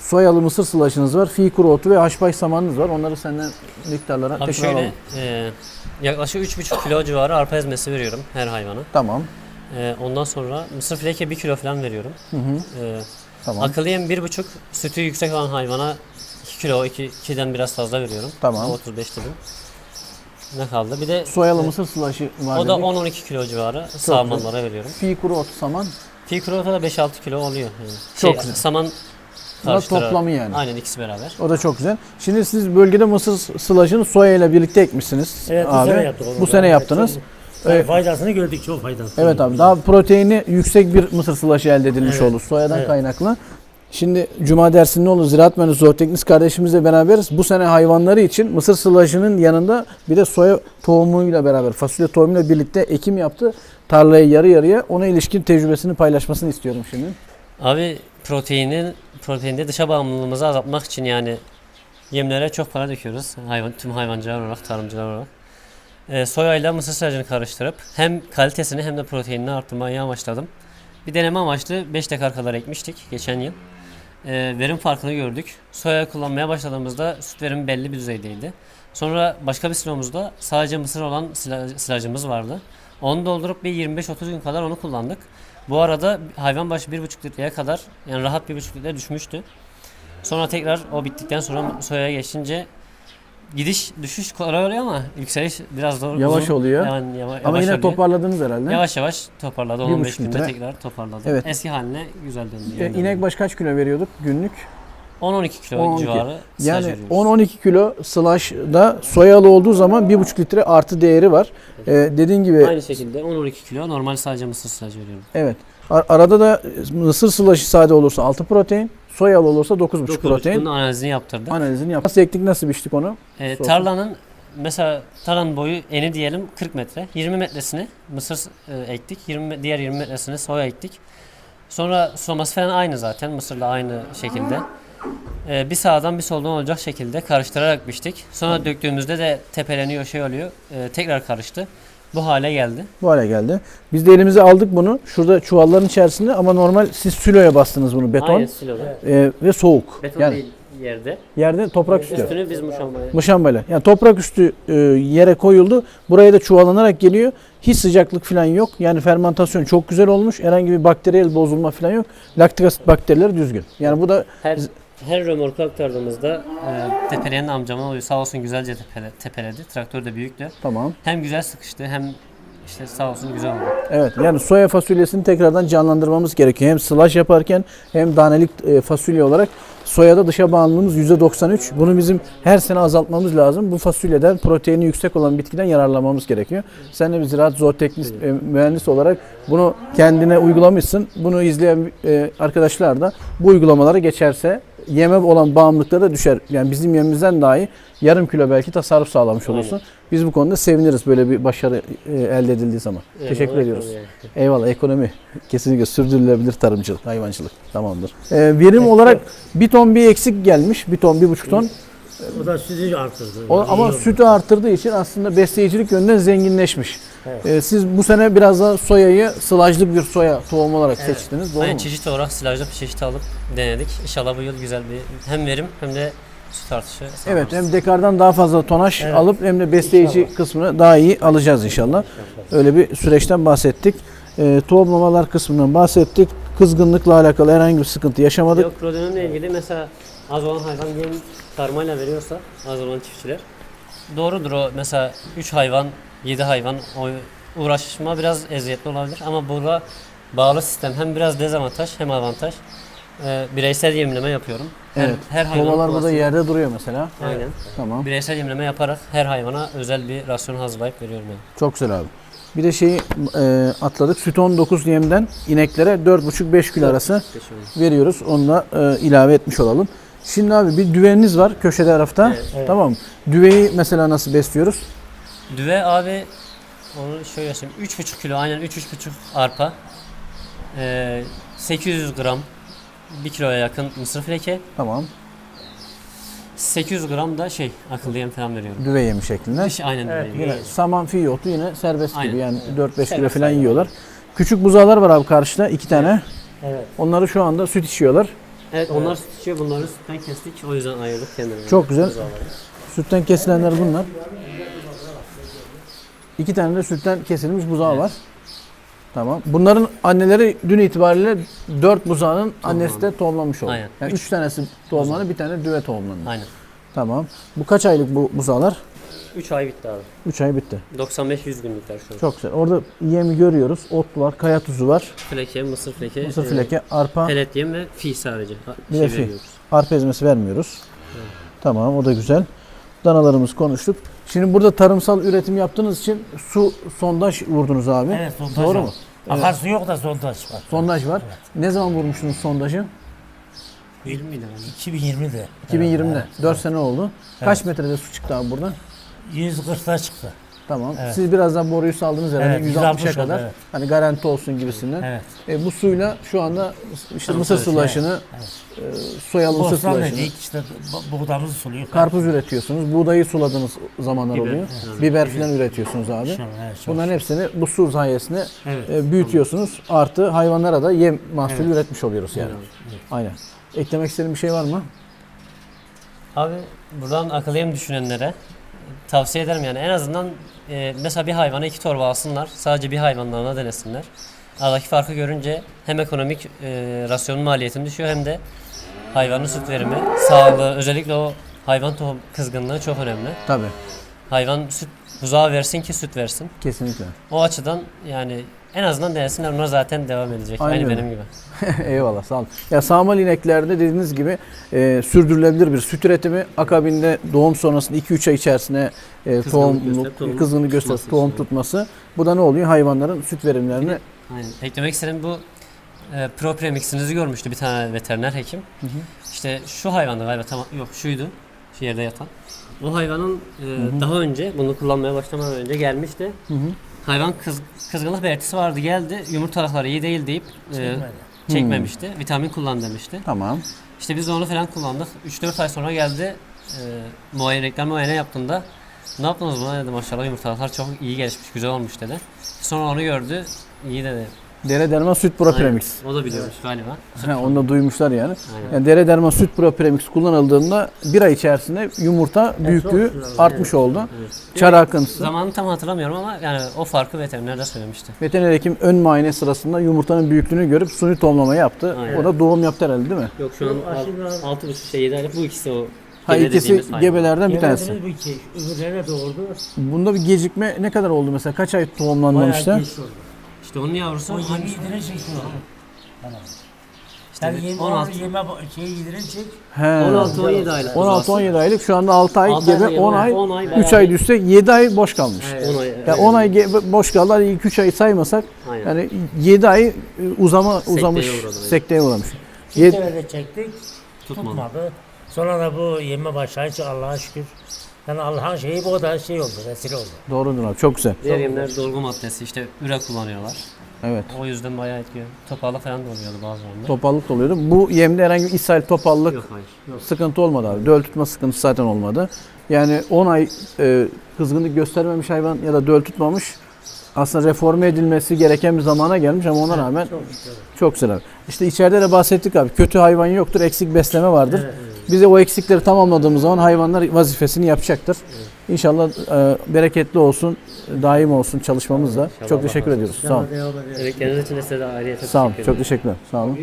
[SPEAKER 1] soyalı mısır sılaşınız var. Fi kuru otu ve haşbaş samanınız var. Onları senden miktarlara
[SPEAKER 3] Abi
[SPEAKER 1] tekrar
[SPEAKER 3] şöyle
[SPEAKER 1] alalım.
[SPEAKER 3] e, yaklaşık üç buçuk kilo civarı arpa ezmesi veriyorum her hayvana.
[SPEAKER 1] Tamam.
[SPEAKER 3] E, ondan sonra mısır fileke bir kilo falan veriyorum.
[SPEAKER 1] Hı hı.
[SPEAKER 3] E,
[SPEAKER 1] Tamam.
[SPEAKER 3] Akıllı yem bir buçuk, sütü yüksek olan hayvana iki kilo, iki, ikiden biraz fazla veriyorum.
[SPEAKER 1] Tamam.
[SPEAKER 3] otuz beş dedim. Ne kaldı? Bir de
[SPEAKER 1] Soyalı
[SPEAKER 3] e,
[SPEAKER 1] mısır sılaşı var
[SPEAKER 3] o da
[SPEAKER 1] dedik.
[SPEAKER 3] on on iki kilo civarı sağmanlara veriyorum.
[SPEAKER 1] Fi kuru otu saman.
[SPEAKER 3] Fi kuru da beş altı kilo oluyor. Yani.
[SPEAKER 1] Çok
[SPEAKER 3] Şey,
[SPEAKER 1] güzel.
[SPEAKER 3] Saman
[SPEAKER 1] Bunlar
[SPEAKER 3] karıştırarak.
[SPEAKER 1] toplamı yani.
[SPEAKER 3] Aynen, ikisi beraber.
[SPEAKER 1] O da çok güzel. Şimdi siz bölgede mısır sılaşını soya ile birlikte ekmişsiniz.
[SPEAKER 2] Evet, bu
[SPEAKER 1] abi.
[SPEAKER 2] sene yaptık onu.
[SPEAKER 1] Bu sene
[SPEAKER 2] Evet,
[SPEAKER 1] yaptınız.
[SPEAKER 2] çok-
[SPEAKER 1] Evet.
[SPEAKER 2] Faydasını gördük, çok faydasını.
[SPEAKER 1] Evet abi, daha proteini yüksek bir mısır sılaşı elde edilmiş
[SPEAKER 2] Evet.
[SPEAKER 1] oldu soyadan
[SPEAKER 2] Evet.
[SPEAKER 1] kaynaklı. Şimdi Cuma dersinde olur ziraat mühendisi zooteknist kardeşimizle beraberiz. Bu sene hayvanları için mısır sılaşının yanında bir de soya tohumuyla beraber, fasulye tohumuyla birlikte ekim yaptı. Tarlayı yarı yarıya, ona ilişkin tecrübesini paylaşmasını istiyorum şimdi.
[SPEAKER 3] Abi proteinin proteinde dışa bağımlılığımızı azaltmak için yani yemlere çok para döküyoruz. Hayvan, tüm hayvancılar olarak, tarımcılar olarak. Ee, soya ile mısır silajını karıştırıp hem kalitesini hem de proteinini arttırmayı amaçladım. Bir deneme amaçlı beş dekar kadar ekmiştik geçen yıl. Ee, verim farkını gördük. Soya kullanmaya başladığımızda süt verimi belli bir düzeydeydi. Sonra başka bir silomuzda sadece mısır olan sila- silajımız vardı. Onu doldurup bir yirmi beş otuz gün kadar onu kullandık. Bu arada hayvan başı bir buçuk litreye kadar, yani rahat bir buçuk litre düşmüştü. Sonra tekrar o bittikten sonra soyaya geçince gidiş düşüş kolay oluyor ama yükseliş biraz zor.
[SPEAKER 1] Yavaş
[SPEAKER 3] uzun.
[SPEAKER 1] oluyor.
[SPEAKER 3] Yani yava-
[SPEAKER 1] Ama
[SPEAKER 3] yavaş
[SPEAKER 1] yine
[SPEAKER 3] oluyor.
[SPEAKER 1] toparladınız herhalde.
[SPEAKER 3] Yavaş yavaş toparladı.
[SPEAKER 1] Bir
[SPEAKER 3] on on
[SPEAKER 1] buçuk
[SPEAKER 3] beş günde
[SPEAKER 1] litre.
[SPEAKER 3] tekrar toparladı.
[SPEAKER 1] Evet.
[SPEAKER 3] Eski haline güzel döndü.
[SPEAKER 1] E,
[SPEAKER 3] yani.
[SPEAKER 1] İnek baş kaç kilo veriyorduk günlük?
[SPEAKER 3] on on iki kilo
[SPEAKER 1] on on iki.
[SPEAKER 3] civarı silaj
[SPEAKER 1] Yani
[SPEAKER 3] veriyoruz.
[SPEAKER 1] on on iki kilo slash'da soyalı olduğu zaman bir buçuk litre artı değeri var. Ee, dediğin gibi
[SPEAKER 3] Aynı şekilde on on iki kilo normal sadece mısır silaj veriyorum.
[SPEAKER 1] evet. Ar- arada da mısır slash'ı sade olursa altı protein, soyalı olursa dokuz buçuk
[SPEAKER 3] Dokuz
[SPEAKER 1] protein.
[SPEAKER 3] Bunun analizini yaptırdık.
[SPEAKER 1] Analizini yap. Nasıl ektik, nasıl biçtik onu?
[SPEAKER 3] Ee,
[SPEAKER 1] Sorsun.
[SPEAKER 3] tarlanın mesela tarlanın boyu eni diyelim kırk metre. yirmi metresini mısır e, ektik. yirmi diğer yirmi metresini soya ektik. Sonra sulaması falan aynı zaten. Mısırla aynı şekilde. Ee, bir sağdan bir soldan olacak şekilde karıştırarak biçtik. Sonra döktüğümüzde de tepeleniyor, şey oluyor. Ee, tekrar karıştı. Bu hale geldi.
[SPEAKER 1] Bu hale geldi. Biz de elimize aldık bunu. Şurada çuvalların içerisinde ama normal siz siloya bastınız bunu, beton
[SPEAKER 3] Aynı siloda.
[SPEAKER 1] e, ve soğuk.
[SPEAKER 3] Beton
[SPEAKER 1] yani
[SPEAKER 3] değil yerde.
[SPEAKER 1] yerde toprak üstü.
[SPEAKER 3] Üstünü biz muşambaya.
[SPEAKER 1] Muşambayla. Yani toprak üstü e, yere koyuldu. Buraya da çuvalanarak geliyor. Hiç sıcaklık falan yok. Yani fermentasyon çok güzel olmuş. Herhangi bir bakteriyel bozulma falan yok. Laktik asit bakterileri düzgün. Yani bu da
[SPEAKER 3] Her her römorku aktardığımızda e, tepeleyen amcama oluyor. Sağ olsun güzelce tepele, tepeledi. Traktör de büyüktü.
[SPEAKER 1] tamam.
[SPEAKER 3] Hem güzel sıkıştı hem işte sağ olsun güzel oldu.
[SPEAKER 1] Evet, yani soya fasulyesini tekrardan canlandırmamız gerekiyor. Hem slash yaparken hem danelik e, fasulye olarak soyada dışa bağımlılığımız yüzde doksan üç. Bunu bizim her sene azaltmamız lazım. Bu fasulyeden proteini yüksek olan bitkiden yararlanmamız gerekiyor. Sen de bir ziraat zooteknist e, mühendis olarak bunu kendine uygulamışsın. Bunu izleyen e, arkadaşlar da bu uygulamalara geçerse yeme olan bağımlılıkları da düşer. Yani bizim yemimizden dahi yarım kilo belki tasarruf sağlamış olursun. Biz bu konuda seviniriz böyle bir başarı e, elde edildiği zaman.
[SPEAKER 3] Evet,
[SPEAKER 1] Teşekkür
[SPEAKER 3] olarak
[SPEAKER 1] ediyoruz.
[SPEAKER 3] yani.
[SPEAKER 1] Eyvallah, ekonomi. Kesinlikle sürdürülebilir tarımcılık, hayvancılık. Tamamdır. Ee, verim olarak bir ton bir eksik gelmiş. Bir ton, bir buçuk ton.
[SPEAKER 2] O da sütü arttırdı.
[SPEAKER 1] O,
[SPEAKER 2] İyi
[SPEAKER 1] ama
[SPEAKER 2] oldu.
[SPEAKER 1] sütü arttırdığı için aslında besleyicilik yönünden zenginleşmiş.
[SPEAKER 2] Evet.
[SPEAKER 1] Ee, siz bu sene biraz da soyayı sılajlı bir soya tohumu olarak seçtiniz. Doğru
[SPEAKER 3] Aynı
[SPEAKER 1] mu?
[SPEAKER 3] çeşit olarak silajlı bir çeşit alıp denedik. İnşallah bu yıl güzel bir hem verim hem de süt artışı sağlarız.
[SPEAKER 1] Evet, hem dekardan daha fazla tonaj
[SPEAKER 2] Evet.
[SPEAKER 1] alıp hem de besleyici
[SPEAKER 2] İnşallah.
[SPEAKER 1] kısmını daha iyi alacağız inşallah. Öyle bir süreçten bahsettik. Ee, tohumlamalar kısmından bahsettik. Kızgınlıkla alakalı herhangi bir sıkıntı yaşamadık.
[SPEAKER 3] Yok, prodönümle ilgili mesela az olan hayvan yem karmayla veriyorsa az olan çiftçiler doğrudur o, mesela üç hayvan yedi hayvan o uğraşma biraz eziyetli olabilir ama burada bağlı sistem hem biraz dezavantaj hem avantaj. Ee, bireysel yemleme yapıyorum. Her,
[SPEAKER 1] Evet.
[SPEAKER 3] her hayvan
[SPEAKER 1] Kovalar burada
[SPEAKER 3] kullansın.
[SPEAKER 1] yerde duruyor mesela.
[SPEAKER 3] Aynen.
[SPEAKER 1] Tamam.
[SPEAKER 3] Bireysel yemleme yaparak her hayvana özel bir rasyon hazırlayıp veriyorum yani.
[SPEAKER 1] Çok güzel abi. Bir de şeyi e, atladık. Süt on dokuz yemden ineklere dört buçuk beş kilo arası veriyoruz. Onu da e, ilave etmiş olalım. Şimdi abi bir düveniniz var köşe tarafta.
[SPEAKER 3] Evet,
[SPEAKER 2] evet.
[SPEAKER 1] Tamam. Düveyi mesela nasıl besliyoruz?
[SPEAKER 3] Düve abi onu şöyle söyleyeyim. üç buçuk kilo aynen üç üç buçuk arpa. Ee, sekiz yüz gram bir kiloya yakın mısır fileke.
[SPEAKER 1] Tamam.
[SPEAKER 3] sekiz yüz gram da şey akıllı yem falan veriyorum.
[SPEAKER 1] Düve yemi şeklinde.
[SPEAKER 3] Dış aynen
[SPEAKER 2] Evet,
[SPEAKER 3] düve.
[SPEAKER 1] Yine saman fiyi otu yine serbest
[SPEAKER 3] Aynen.
[SPEAKER 1] gibi. Yani dört beş kilo
[SPEAKER 3] Serbest
[SPEAKER 1] falan
[SPEAKER 3] aynen.
[SPEAKER 1] yiyorlar. Küçük buzağlar var abi karşıda iki tane.
[SPEAKER 2] Evet.
[SPEAKER 1] Onları şu anda süt içiyorlar.
[SPEAKER 3] Evet onlar süt içiyor. Bunları sütten kestik. O yüzden ayırdık kendilerine.
[SPEAKER 1] Çok güzel.
[SPEAKER 3] Buzağları.
[SPEAKER 1] Sütten kesilenler bunlar. İki tane de sütten kesilmiş buzağı
[SPEAKER 3] Evet.
[SPEAKER 1] var. Tamam. Bunların anneleri dün itibariyle dört buzağının annesi de tohumlamış oldu.
[SPEAKER 3] Aynen.
[SPEAKER 1] Yani üç tanesi tohumlandı, bir tane düve tohumlandı.
[SPEAKER 3] Aynen.
[SPEAKER 1] Tamam. Bu kaç aylık bu buzağlar?
[SPEAKER 3] üç ay bitti abi.
[SPEAKER 1] üç ay bitti.
[SPEAKER 3] doksan beş yüz günlükler şu an.
[SPEAKER 1] Çok güzel. Orada yemi görüyoruz. Ot var, kaya tuzu var,
[SPEAKER 3] Fleke, mısır fleke,
[SPEAKER 1] mısır
[SPEAKER 3] e,
[SPEAKER 1] fileke, arpa,
[SPEAKER 3] pelet yem ve fi sadece. Ha,
[SPEAKER 1] bir
[SPEAKER 3] şey
[SPEAKER 1] de fi.
[SPEAKER 3] veriyoruz.
[SPEAKER 1] arpa ezmesi vermiyoruz. Tamam, o da güzel. Danalarımız konuştuk. Şimdi burada tarımsal üretim yaptığınız için su sondaj vurdunuz abi.
[SPEAKER 2] Evet, sondaj
[SPEAKER 1] Doğru
[SPEAKER 2] var.
[SPEAKER 1] mu?
[SPEAKER 2] Akarsu yok da sondaj var.
[SPEAKER 1] Sondaj var.
[SPEAKER 2] Evet.
[SPEAKER 1] Ne zaman vurmuştunuz sondajı?
[SPEAKER 3] yirmi lira.
[SPEAKER 2] iki bin yirmide.
[SPEAKER 1] iki bin yirmide.
[SPEAKER 2] Evet,
[SPEAKER 1] dört sene oldu. Kaç
[SPEAKER 2] Evet.
[SPEAKER 1] metrede su çıktı abi buradan?
[SPEAKER 2] yüz kırkta çıktı.
[SPEAKER 1] Tamam.
[SPEAKER 2] Evet.
[SPEAKER 1] Siz birazdan boruyu saldınız herhalde
[SPEAKER 2] Evet,
[SPEAKER 1] yüz altmışa
[SPEAKER 2] yüz altmış
[SPEAKER 1] kadar.
[SPEAKER 2] oldu, evet.
[SPEAKER 1] Hani garanti olsun gibisinden.
[SPEAKER 2] Evet.
[SPEAKER 1] E, bu suyla şu anda işte
[SPEAKER 3] Tamam,
[SPEAKER 1] mısır
[SPEAKER 3] evet,
[SPEAKER 1] sulaşını,
[SPEAKER 2] evet.
[SPEAKER 1] e, soyalı mısır
[SPEAKER 2] Bostan
[SPEAKER 1] sulaşını,
[SPEAKER 2] dedik işte bu- buğdamızı suluyor.
[SPEAKER 1] karpuz üretiyorsunuz. Buğdayı suladığınız zamanlar
[SPEAKER 3] Biber,
[SPEAKER 1] oluyor.
[SPEAKER 3] evet.
[SPEAKER 1] Biber falan üretiyorsunuz abi.
[SPEAKER 2] İnşallah, evet, çok
[SPEAKER 1] Bunların hepsini bu su sayesinde
[SPEAKER 2] Evet.
[SPEAKER 1] e, büyütüyorsunuz. Artı hayvanlara da yem mahsulü üretmiş oluyoruz yani.
[SPEAKER 3] Evet.
[SPEAKER 1] Aynen. Eklemek istediğin bir şey var mı?
[SPEAKER 3] Abi buradan akıllı yem düşünenlere tavsiye ederim yani en azından e, mesela bir hayvana iki torba alsınlar. Sadece bir hayvanlarına denesinler. Aradaki farkı görünce hem ekonomik e, rasyonun maliyetini düşüyor hem de hayvanın süt verimi, sağlığı, özellikle o hayvan tohum kızgınlığı çok önemli.
[SPEAKER 1] Tabii.
[SPEAKER 3] Hayvan süt buzağı versin ki süt versin.
[SPEAKER 1] Kesinlikle.
[SPEAKER 3] O açıdan yani en azından denesinler, onlar zaten devam edecek.
[SPEAKER 1] Aynen
[SPEAKER 3] Aynı
[SPEAKER 1] öyle.
[SPEAKER 3] benim gibi.
[SPEAKER 1] Eyvallah, sağ olun. Ya sağmal ineklerde dediğiniz gibi e, sürdürülebilir bir süt üretimi, akabinde doğum sonrasında iki üç ay içerisinde e,
[SPEAKER 3] Kızgınlık
[SPEAKER 1] tohumluk,
[SPEAKER 3] gösterip tohum
[SPEAKER 1] kızgınlık gösterip
[SPEAKER 3] tutması
[SPEAKER 1] tohum
[SPEAKER 3] işte.
[SPEAKER 1] tutması. Bu da ne oluyor? Hayvanların süt verimlerini
[SPEAKER 3] Aynen. Eklemek istediğim bu e, Pro Premix'inizi görmüştü bir tane veteriner hekim.
[SPEAKER 1] Hı hı.
[SPEAKER 3] İşte şu hayvandı galiba, tamam yok şuydu, şu yerde yatan. O hayvanın e, daha önce bunu kullanmaya başlamadan önce gelmişti.
[SPEAKER 1] Hı hı.
[SPEAKER 3] Hayvan kız, kızgınlık belirtisi vardı, geldi, yumurtalıkları iyi değil deyip e,
[SPEAKER 2] Çekmedi.
[SPEAKER 3] çekmemişti. Vitamin kullan demişti.
[SPEAKER 1] Tamam.
[SPEAKER 3] İşte biz de onu falan kullandık. üç dört ay sonra geldi, e, muayene, reklam muayene yaptığında ne yaptınız buna dedi, maşallah yumurtalıklar çok iyi gelişmiş, güzel olmuş dedi. Sonra onu gördü, iyi dedi.
[SPEAKER 1] Dere derma süt pro
[SPEAKER 3] Aynen.
[SPEAKER 1] premix.
[SPEAKER 3] O da biliyormuş galiba.
[SPEAKER 1] Ha, onu da duymuşlar yani.
[SPEAKER 3] Aynen.
[SPEAKER 1] Yani dere derma süt pro premix kullanıldığında bir ay içerisinde yumurta büyüklüğü
[SPEAKER 2] çok güzel.
[SPEAKER 1] artmış oldu.
[SPEAKER 3] Evet.
[SPEAKER 1] Çar akıntısı.
[SPEAKER 3] Zamanını tam hatırlamıyorum ama yani o farkı veteriner de söylemişti.
[SPEAKER 1] Veteriner hekim ön muayene sırasında yumurtanın büyüklüğünü görüp suni tohumlama yaptı.
[SPEAKER 3] Aynen.
[SPEAKER 1] O da doğum yaptı herhalde değil mi?
[SPEAKER 3] Yok şu an
[SPEAKER 2] Aşırı-
[SPEAKER 3] altı buçuk şey yedi aylık, bu ikisi o.
[SPEAKER 1] Ha,
[SPEAKER 3] gebe
[SPEAKER 1] ikisi
[SPEAKER 3] dediğimiz hayvan.
[SPEAKER 1] gebelerden bir tanesi.
[SPEAKER 2] Yemediniz bu iki. Öbürlerine doğurdu.
[SPEAKER 1] Bunda bir gecikme ne kadar oldu mesela? Kaç ay
[SPEAKER 2] Bayağı
[SPEAKER 1] tohumlanmamıştı?
[SPEAKER 2] geç oldu.
[SPEAKER 3] İşte onun yavrusu
[SPEAKER 2] O yemi
[SPEAKER 3] hangisi?
[SPEAKER 2] yedirecek şu an. Tamam.
[SPEAKER 3] İşte
[SPEAKER 2] Sen
[SPEAKER 3] bir
[SPEAKER 2] yemi,
[SPEAKER 3] on altı.
[SPEAKER 2] onu yeme şey yedirecek.
[SPEAKER 1] He.
[SPEAKER 3] on altı on yedi aylık.
[SPEAKER 1] on altı on yedi aylık, şu anda altı ay
[SPEAKER 3] altı ay
[SPEAKER 1] gebe,
[SPEAKER 3] gebe,
[SPEAKER 1] on ay,
[SPEAKER 3] on ay
[SPEAKER 1] üç
[SPEAKER 3] bayağı
[SPEAKER 1] ay
[SPEAKER 3] bir-
[SPEAKER 1] düşse yedi ay boş kalmış.
[SPEAKER 3] on ay.
[SPEAKER 1] Ya on ay gebe, boş kaldı. Hadi ilk üç ayı saymasak
[SPEAKER 3] Aynen.
[SPEAKER 1] yani yedi ay e, uzama
[SPEAKER 3] Sekteye
[SPEAKER 1] uzamış,
[SPEAKER 3] uğradı, aynen.
[SPEAKER 1] sekteye uğramış.
[SPEAKER 2] Bir
[SPEAKER 1] Yed-
[SPEAKER 2] sefer de çektik.
[SPEAKER 3] Tutmadı.
[SPEAKER 2] Tutmadı. Sonra da bu yeme başlayınca Allah'a şükür. Yani Allah'ın şeyi bu da şey oldu, vesile oldu.
[SPEAKER 1] Doğrudur abi, çok güzel.
[SPEAKER 3] Diğer yemler dolgu maddesi, işte üre kullanıyorlar.
[SPEAKER 1] Evet.
[SPEAKER 3] O yüzden bayağı etkiliyor. Topağla falan da oluyordu bazılarında.
[SPEAKER 1] Topallık da oluyordu. Bu yemde herhangi bir ishal, topallık
[SPEAKER 3] Yok hayır. Yok.
[SPEAKER 1] sıkıntı olmadı abi. Döl tutma sıkıntısı zaten olmadı. Yani on ay e, kızgınlık göstermemiş hayvan ya da döl tutmamış, aslında reforme edilmesi gereken bir zamana gelmiş ama ona rağmen
[SPEAKER 2] Çok şükür.
[SPEAKER 1] çok güzel abi. İşte içeride de bahsettik abi. Kötü hayvan yoktur, eksik besleme vardır. Bize o eksikleri tamamladığımız zaman hayvanlar vazifesini yapacaktır. İnşallah e, bereketli olsun, daim olsun çalışmamız da.
[SPEAKER 3] İnşallah
[SPEAKER 1] Çok
[SPEAKER 3] Allah
[SPEAKER 1] teşekkür
[SPEAKER 3] razı
[SPEAKER 1] ediyoruz. Sağ olun.
[SPEAKER 3] Emekleriniz için de size de ayrıca
[SPEAKER 1] Sağ olun.
[SPEAKER 3] teşekkür
[SPEAKER 1] Çok
[SPEAKER 3] ederim.
[SPEAKER 1] teşekkürler. Sağ olun.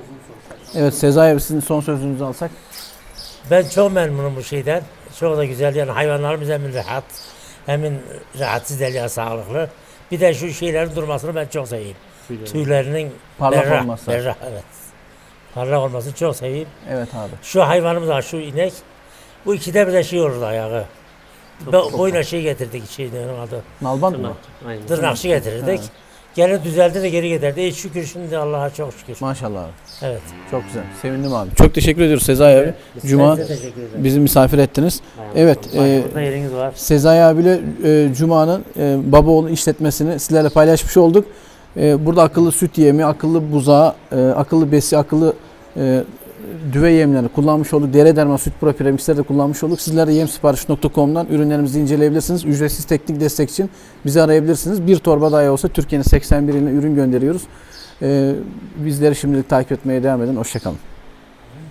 [SPEAKER 1] Evet, Sezai abi, sizin son sözünüzü alsak.
[SPEAKER 2] Ben çok memnunum bu şeyden. Çok da güzel yani hayvanlarımız hem rahat, hem rahatsız değil ya sağlıklı. Bir de şu şeylerin durmasını ben çok seveyim.
[SPEAKER 3] Tüyleri.
[SPEAKER 2] Tüylerinin
[SPEAKER 1] Parlak
[SPEAKER 2] berrak,
[SPEAKER 1] olması.
[SPEAKER 2] berrak, evet. Parlak olmasını çok seveyim.
[SPEAKER 1] Evet abi.
[SPEAKER 2] Şu hayvanımız var, şu inek. Bu ikide bir de şey olurdu ayağı. Bo- boyuna şey getirdik, şey ne onun adı.
[SPEAKER 1] Nalbant mı?
[SPEAKER 3] Tırnak. Aynen.
[SPEAKER 2] Tırnakçı getirirdik. Gene düzeldi de geri getirdi. E şükür şimdi Allah'a çok şükür.
[SPEAKER 1] Maşallah abi.
[SPEAKER 2] Evet.
[SPEAKER 1] Çok güzel. Sevindim abi. Çok teşekkür ediyoruz Sezai abi. Cuma
[SPEAKER 2] Ben size teşekkür ederim.
[SPEAKER 1] bizi misafir ettiniz.
[SPEAKER 3] Aynen.
[SPEAKER 1] Evet. e,
[SPEAKER 2] Burada yeriniz var.
[SPEAKER 1] Sezai abiyle e, Cuma'nın e, baba oğlu işletmesini sizlerle paylaşmış olduk. E, burada akıllı süt yemi, akıllı buzağı, e, akıllı besi, akıllı e, düve yemlerini kullanmış olduk. Dere derma süt pro premixleri de kullanmış olduk. Sizler de yemsipariş nokta com'dan ürünlerimizi inceleyebilirsiniz. Ücretsiz teknik destek için bizi arayabilirsiniz. Bir torba dahi olsa Türkiye'nin seksen bir iline ürün gönderiyoruz. E, bizleri şimdilik takip etmeye devam edin. Hoşçakalın.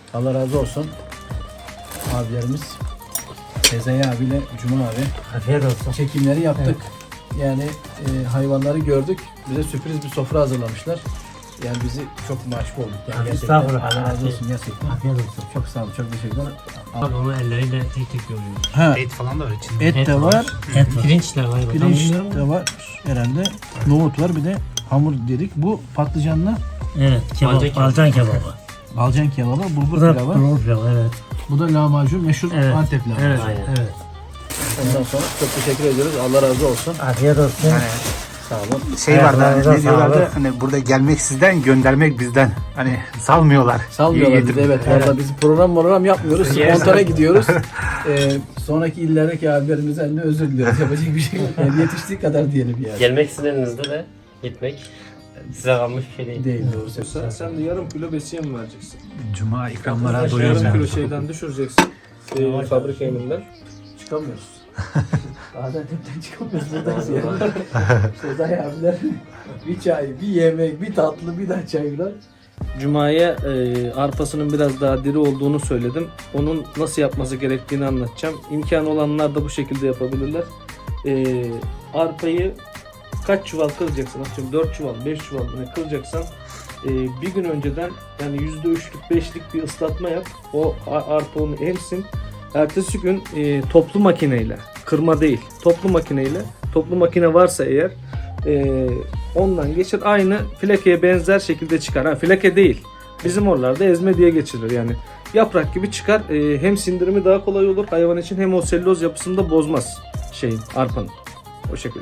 [SPEAKER 1] Allah razı olsun. Abilerimiz Sezai abiyle Cuma abi
[SPEAKER 2] Afiyet olsun.
[SPEAKER 1] çekimleri yaptık. Yani e, hayvanları gördük. Bize sürpriz bir sofra hazırlamışlar. Yani bizi çok mahcup olduk. Yani gerçekten.
[SPEAKER 2] Estağfurullah.
[SPEAKER 1] Allah razı olsun gerçekten.
[SPEAKER 2] Afiyet olsun.
[SPEAKER 1] Çok sağ olun. Çok teşekkürler.
[SPEAKER 3] Abi onu elleriyle tek tek yoruyor.
[SPEAKER 1] Ha,
[SPEAKER 5] Et falan da var içinde.
[SPEAKER 1] et,
[SPEAKER 3] Et
[SPEAKER 1] de
[SPEAKER 3] var.
[SPEAKER 1] var.
[SPEAKER 2] Et var.
[SPEAKER 3] Pirinç de var.
[SPEAKER 1] Pirinç de var herhalde. Nohut var. Bir de hamur dedik. Bu patlıcanlı
[SPEAKER 2] Evet. Kebap.
[SPEAKER 3] Balcan kebabı.
[SPEAKER 2] Balcan kebabı.
[SPEAKER 1] balcan kebabı, bulgur
[SPEAKER 2] Bu da
[SPEAKER 1] pilavı.
[SPEAKER 2] bulgur pilavı. Evet.
[SPEAKER 1] Bu da lahmacun, meşhur
[SPEAKER 2] Evet.
[SPEAKER 1] Antep lahmacun.
[SPEAKER 2] Evet.
[SPEAKER 3] Aynen.
[SPEAKER 2] Evet.
[SPEAKER 1] Ondan sonra çok teşekkür ediyoruz. Allah razı olsun.
[SPEAKER 2] Afiyet olsun.
[SPEAKER 1] Sağ olun.
[SPEAKER 5] Şey
[SPEAKER 2] Evet,
[SPEAKER 5] vardı
[SPEAKER 2] evet,
[SPEAKER 5] hani ne diyorlardı
[SPEAKER 2] sağlık.
[SPEAKER 5] hani burada gelmek sizden göndermek bizden. Hani salmıyorlar.
[SPEAKER 1] Salmıyorlar
[SPEAKER 5] İyi
[SPEAKER 1] bizi. Evet.
[SPEAKER 5] getirmiş.
[SPEAKER 1] Valla biz program program yapmıyoruz. Spontane gidiyoruz. Ee, sonraki illerdeki abilerimizden de özür diliyoruz. Yapacak bir şey yok. Yani yetiştiği kadar diyelim yani.
[SPEAKER 3] Gelmek istediğinizde de gitmek size kalmış bir şey değil.
[SPEAKER 1] Değil doğrusu.
[SPEAKER 4] Sen, sen de yarım kilo besiye mi vereceksin?
[SPEAKER 5] Cuma ikramlara
[SPEAKER 4] Yarım
[SPEAKER 5] doyuyoruz
[SPEAKER 4] kilo
[SPEAKER 5] yani.
[SPEAKER 4] şeyden düşüreceksin. Ee, fabrika yeminden.
[SPEAKER 1] Çıkamıyoruz. Gaziantep'ten çıkamıyoruz. Buradayız yani. Sezai abiler bir çay, bir yemek, bir tatlı, bir daha çaylar.
[SPEAKER 4] Cuma'ya e, arpasının biraz daha diri olduğunu söyledim. Onun nasıl yapması gerektiğini anlatacağım. İmkanı olanlar da bu şekilde yapabilirler. E, arpayı kaç çuval kıracaksın? Atıyorum dört çuval, beş çuval ne kıracaksan e, bir gün önceden yani yüzde üçlük, beşlik bir ıslatma yap. O a- arpa onu emsin. Ertesi gün e, toplu makineyle, kırma değil, toplu makineyle, toplu makine varsa eğer e, ondan geçir. Aynı filekeye benzer şekilde çıkar. Ha, fileke değil. Bizim oralarda ezme diye geçirilir yani. Yaprak gibi çıkar. E, hem sindirimi daha kolay olur hayvan için hem o selüloz yapısını da bozmaz şeyin, arpanın. O şekilde.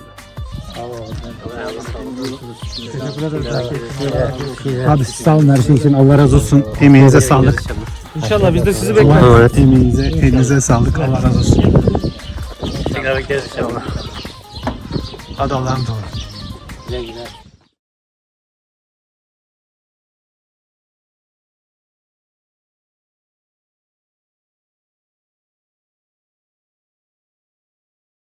[SPEAKER 5] Abi sağ olun her şey için. Allah razı olsun. Emeğinize sağlık.
[SPEAKER 4] İnşallah biz de sizi bekleriz.
[SPEAKER 5] Evet. Emeğinize, elinize sağlık. Allah razı olsun.
[SPEAKER 3] Tekrar bekleriz inşallah.
[SPEAKER 5] Hadi Allah'a emanet olun.
[SPEAKER 3] Güle güle.